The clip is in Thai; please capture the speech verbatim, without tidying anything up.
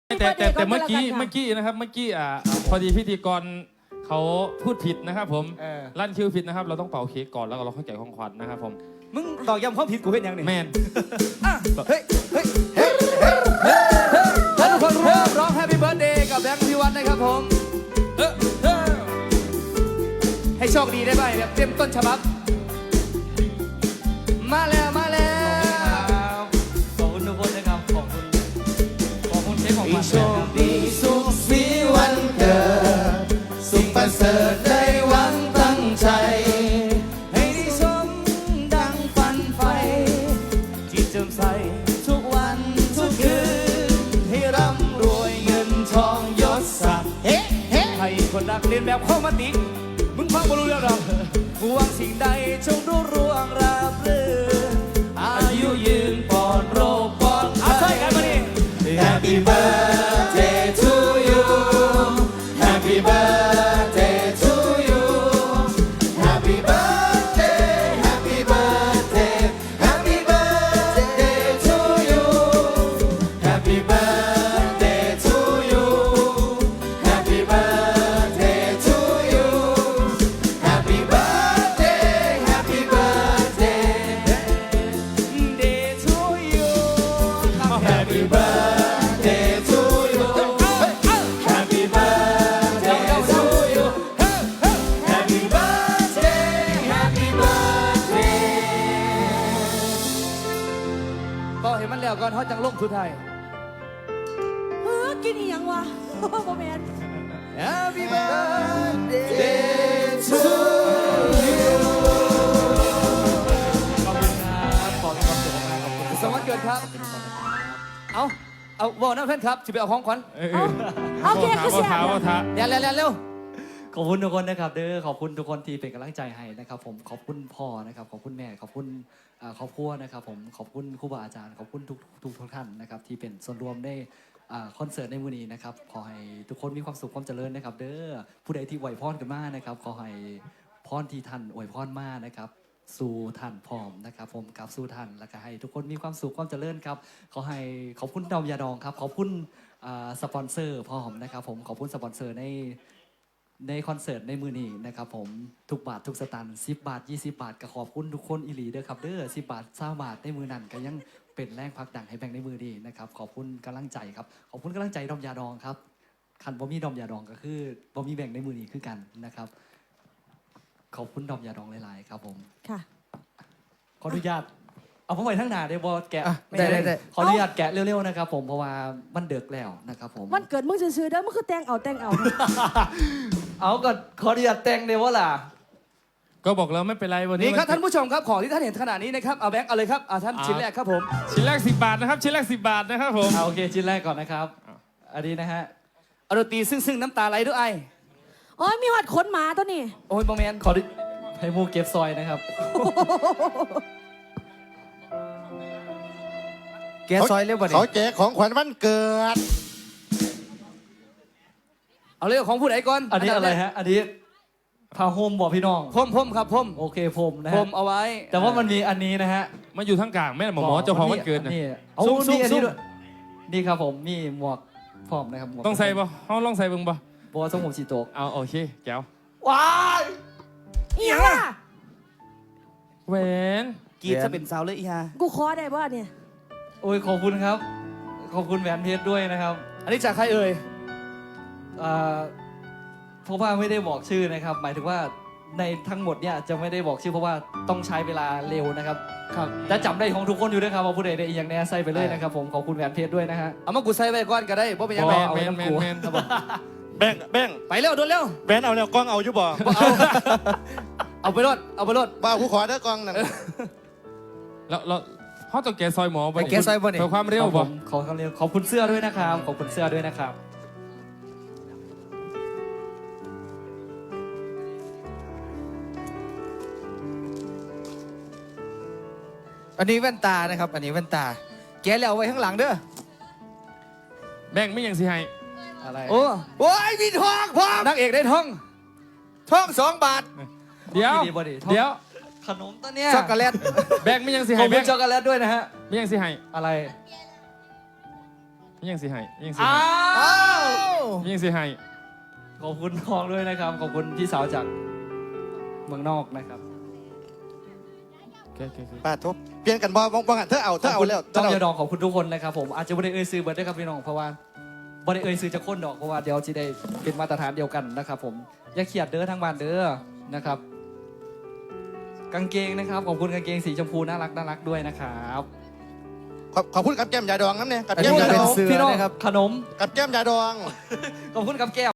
แต่แต่แต่เมื่อกี้เมื่อกี้นะครับเมื่อกี้อ่าพอดีพิธีกรเขาพูดผิดนะครับผมลั่นคิวผิดนะครับเราต้องเป่าเค้กก่อนแล้วก็เราค่อยแกะของขวัญนะครับผมมึงตอกย้ำความผิดกูเป็นยังไงแมนเฮ้ยเฮ้ยเฮ้ยเฮ้ยเฮ้ยท่านทุกคนเริ่มร้อง Happy Birthday กับแบงค์พิวัฒน์นะครับผมให้โชคดีได้ไหมแบบเต็มต้นฉบับมาแล้วมาแล้วขอบคุณทุกคนนะครับขอบคุณขอบคุณเค้กของมันโชคดีสุขสีวันเกิดสุขประเสริฐได้หวังตั้งใจให้ได้สมดังฝันไฟจิตเจิมใสทุกวันทุกคืนให้ร่ำรวยเงินทองยศศักดิ์เฮ้เฮ้ให้คนรักเรียนแบบข้อมาติมึงฟังบ่รู้เรื่องหรอกหวังสิ่งใดจงรุ่งเรืองราบรื่นอายุยืนปลอดโรคปลอดภัยใช่กันมาดิ Happy birthday to you Happy birthday to you Happy birthday Happy birthday Happy birthday to you Happy birthday to you Happy birthday to you Happy birthday Happy birthday day to you Happy birthday to you Happy birthday to you Happy birthday Happy birthday ก็เห็นมันแล้วก่อนเขาจังลงสุดท้ายเฮ้อกินอีหยังวะโมเมนต์ Happy birthday to you ขอบคุณครับขอให้ความสุขมากขอบคุณสวัสดีครับ เอาเอาบอกนะเพื่อนครับจะไปเอาของขวัญเออเอาเค้กก็โบเสียท้าโบท้าเร็วเร็วเร็วเร็วขอบคุณทุกคนนะครับเด้อขอบคุณทุกคนที่เป็นกำลังใจให้นะครับผมขอบคุณพ่อนะครับขอบคุณแม่ขอบคุณอ่าครอบครัวนะครับผมขอบคุณครูบาอาจารย์ขอบคุณทุกทุกทุกท่านนะครับที่เป็นส่วนรวมในอ่าคอนเสิร์ตในมื้อนี้นะครับขอให้ทุกคนมีความสุขความเจริญนะครับเด้อผู้ใดที่อวยพรกันมานะครับขอให้พรที่ท่านอวยพรมานะครับสู่ท่านพร้อมนะครับผมกับสู่ท่านแล้วก็ให้ทุกคนมีความสุขความเจริญครับขอให้ขอบคุณดอมยาดองครับขอบคุณอ่าสปอนเซอร์พร้อมนะครับผมขอบคุณสปอนเซอร์ใน ในคอนเสิร์ตในมือนี้นะครับผมทุกบาททุกสตางค์สิบบาทยี่สิบบาทก็ขอบคุณทุกคนอีหลีเด้อครับเด้อสิบบาทเศร้าบาทในมือนั้นก็ยังเป็นแรงพักดังให้แบ่งในมือดีนะครับขอบคุณกำลังใจครับขอบคุณกำลังใจดอมยาดองครับคันบ่มีดอมยาดองก็คือบ่มีแบ่งในมือนี้คือกันนะครับขอบคุณดอมยาดองหลายๆครับผมค่ะขออนุญาตเอาผมไปทั้งหน้าได้บ่แกะได้ได้ได้ขออนุญาตแกะเร็วๆนะครับผมเพราะว่ามันเดือกแล้วนะครับผมวันเกิดมึงซื้อๆเด้อมึงคือแต่งเอาแต่งเอาเอาก็ขออนุญาตแต่งเดี๋ยวว่าล่ะก็บอกแล้วไม่เป็นไรวันนี้นี่ครับท่านผู้ชมครับของที่ท่านเห็นขนาดนี้นะครับเอาแบงค์เอาเลยครับเอาท่านชิ้นแรกครับผมชิ้นแรกสิบบาทนะครับชิ้นแรกสิบบาทนะครับผมเอาโอเคชิ้นแรกก่อนนะครับอันนี้นะฮะเอาดนตรีซึ่งซึ่งน้ำตาไหลด้วยไอโอ้ยมีหอดขนหมาตัวนี้โอ้ยโมเมนต์ขอดิให้มูเก็บซอยนะครับแกซอยเร็วกว่านี้เขาแจกของขวัญวันเกิดเอาเรื่องของผู้ใดก่อนอันนี้อะไรฮะ อันนี้ผ้าห่มบอกพี่น้องพมพมครับพมโอเคผมนะพฮะมเอาไว้แต่ว่ามันมีอันนี้นะฮะมาอยู่ทั้งกลางแม่หมอหมอเจ้าของวันเกิดนะนี่เอาซุ่มซุ่นี่มอันนี้ซุ่มด้วยนี่ครับผมมีหมวกพร้อมนะครับหมวกต้องใส่ป่ะห้องลองใส่เบิ่งป่ะบัวทรงผมสีโตกเอาโอเคแก้วว้ายอีหยังล่ะแหวนกีดจะเป็นสาวเลยอีฮากูขอได้ป่ะเนี่ยโอ้ยขอบคุณครับ ขอบคุณแหวนเพชรด้วยนะครับอันนี้จากใครเอ่ยอ่าเพราะว่าไม่ได้บอกชื่อนะครับ หมายถึงว่าในทั้งหมดเนี่ยจะไม่ได้บอกชื่อเพราะว่าต้องใช้เวลาเร็วนะครับครับแต่จำได้ของทุกคนอยู่ด้วยครับว่าผู้ใดได้อีกอย่างแน่ใส่ไปเลยนะครับผมขอบคุณแหวนเพชรด้วยนะฮะเอามากูใส่ไว้ก่อนก็ได้เพราะเป็นยังแมไงนเอาแมไว้นน้ำแมกูนแมนแบ่งแบ่งไปเร็วโดนเร็วแบนเอาแล้วกล้องเอาอยู่บ่เอาเอาไปรถเอาไปรถบ้าผู้ขอเด้อกล้องนั่นแล้วเราเขาต้องแกะซอยหมอป่ะแกะซอยบ่นี่เพื่อความเร็วขป่ะอบคุณขอความเร็วขอบคุณเสื้อด้วยนะครับ ขอบคุณเสื้อด้วยนะครับอันนี้แว่นตานะครับ อันนี้แว่นตา แกแล้วเอาไว้ข้างหลังเด้อแบ่งไม่ยังสิให้อะไรโอ้โอ้ยมีทองพร้อมนางเอกได้ทองทองสองบาทเดี๋ยวดีบ่ดีเดี๋ยวขนมตัวเนี้ยช็อกโกแลตแบ่งไม่ยังสิขอให้บคุแบ่ณงช็อกโกแลตด้วยนะฮะไม่ยังสิให้อะไรยังสิให้ยังสิอ้าให้อ้าวยังสิให้ขอบคุณน้องด้วยนะครับ ขอบคุณพี่สาวจากเมืองนอกนะครับโอเคโอเคโอเคป้าทุบเปลี่ยนกันบ่บ่บ่กันเธอเอาเธอเอาแล้วเธต้อองเอายาดองขอบคุณทุกคนนะครับผมอาจจะไม่ได้เอ่ยซื้อเบิร์ดด้วยครับพี่น้องเพราะว่าไม่ได้เอ่ยซื้อจะค้นดอกเพราะว่าเดี๋ยวจะได้เป็นมาตรฐานเดียวกันนะครับผมอย่าเขียดเด้อทางบ้านเด้อนะครับ กางเกงนะครับขอบคุณกางเกงสีชมพูน่ารักน่ารักด้วยนะครับขอบขอบคุณกับแก้มยาดองน้ำเนี่ยกับอันแก้นี้มก็ยาเป็ดนองเสือพี่น้องนะครับขนมกับแก้มยาดองขอบคุณกับแก้ม